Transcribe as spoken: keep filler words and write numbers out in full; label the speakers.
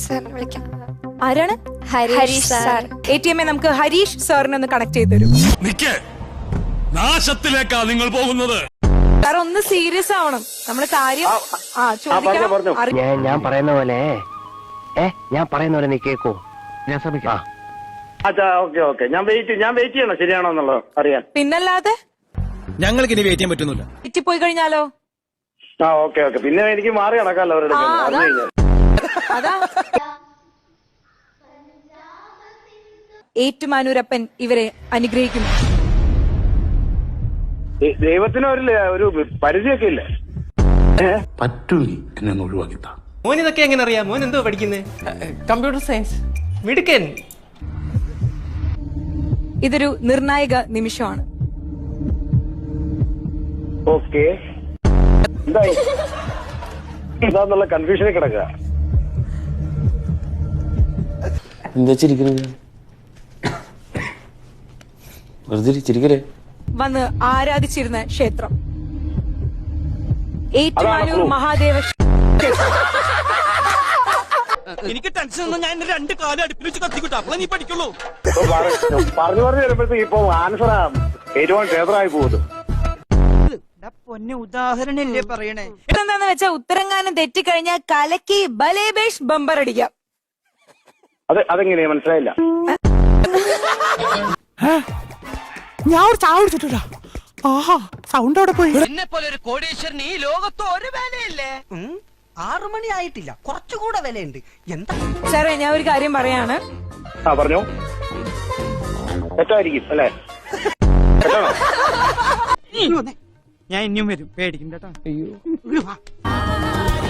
Speaker 1: സാറിനെ വിളിക്കാം.
Speaker 2: ആരാണ്?
Speaker 1: Harish sir.
Speaker 2: A T M A നമുക്ക് ഹരീഷ് സാറിനെ ഒന്ന് കണക്ട് ചെയ്ത് തരും.
Speaker 3: നാശത്തിലേക്കാ നിങ്ങൾ പോകുന്നത്.
Speaker 2: സാർ ഒന്ന് സീരിയസ് ആവണം. നമ്മള് കാര്യം ആ ചോദിക്കണം.
Speaker 4: ഞാൻ പറയുന്ന പോലെ ഏ ഞാൻ പറയുന്ന പോലെ നീ കേക്കോ? ഞാൻ ശ്രമിക്കാം.
Speaker 5: ഓക്കെ ഓക്കെ ഞാൻ വെയിറ്റ് ഞാൻ വെയിറ്റ് ചെയ്യണം ശരിയാണോ എന്നുള്ളത് അറിയാൻ.
Speaker 2: പിന്നല്ലാതെ
Speaker 3: ഞങ്ങൾക്ക് ഇനി വെയിറ്റ് ചെയ്യാൻ പറ്റുന്നില്ല.
Speaker 2: തെറ്റിപ്പോയി കഴിഞ്ഞാലോ?
Speaker 5: ആ ഓക്കെ ഓക്കെ പിന്നെ എനിക്ക് മാറി നടക്കാമല്ലോ അവരുടെ
Speaker 2: അതാ ഏറ്റുമാനൂരപ്പൻ ഇവരെ അനുഗ്രഹിക്കുന്നു.
Speaker 5: ദൈവത്തിന് ഒരു ഒരു പരിധിയൊക്കെ ഇല്ലേ?
Speaker 6: പറ്റൂലി എന്നെ ഒന്ന് ഒഴിവാക്കിത്താ.
Speaker 7: മോൻ ഇതൊക്കെ എങ്ങനെ അറിയാം? മോൻ എന്തോ പഠിക്കുന്നത്? Computer science. മിടുക്കൻ.
Speaker 2: ഇതൊരു നിർണായക നിമിഷമാണ്.
Speaker 5: ഓക്കെ എന്തായി എന്താന്നുള്ള കൺഫ്യൂഷനിൽ കിടക്കുക.
Speaker 8: എന്താ ചിരിക്കുന്നത്? വെറുതെ ചിരിക്കലേ.
Speaker 2: വന്ന് ആരാധിച്ചിരുന്ന ക്ഷേത്രം ഏറ്റുമാനൂർ മഹാദേവ ക്ഷേത്രം.
Speaker 3: എനിക്ക് ടെൻഷൻ ഒന്നും ഞാൻ രണ്ട് കാലം അടുപ്പിൽ വെച്ച് കത്തിക്കിട്ടു. അപ്പോൾ നീ പഠിക്കുള്ളൂ.
Speaker 5: പറഞ്ഞു പറഞ്ഞു വരുമ്പോഴത്തേക്ക് ഇപ്പൊ ആൻസർ ഏറ്റവും ക്ഷേത്രമായി പോകുന്നു.
Speaker 9: പൊന്നെ ഉദാഹരണല്ലേ പറയണേ.
Speaker 2: എന്താന്ന് വെച്ചാ ഉത്തരങ്ങാനം തെറ്റിക്കഴിഞ്ഞാൽ കലക്കി ബലേബേഷ് ബമ്പർ അടിക്കാം.
Speaker 5: അത് അതെങ്ങനെയാ മനസ്സിലായില്ല.
Speaker 9: ഞാൻ ഒരു ചായ കുടിച്ചിട്ടാ. ആഹാ സൗണ്ട് അവിടെ പോയി.
Speaker 7: എന്നെ പോലെ ഒരു കോടീശ്വരന് ഈ ലോകത്ത് ഒരു വിലയില്ലേ? ആറു മണി ആയിട്ടില്ല, കുറച്ചുകൂടെ വിലയുണ്ട്. എന്താ
Speaker 2: സാറേ ഞാൻ ഒരു കാര്യം പറയാണ്.
Speaker 5: ആ പറഞ്ഞോ. തെറ്റായിരിക്കും അല്ലേ? തെറ്റാണോ?
Speaker 9: ഞാൻ ഇനിയും വരും, പേടിക്കണ്ട കേട്ടോ.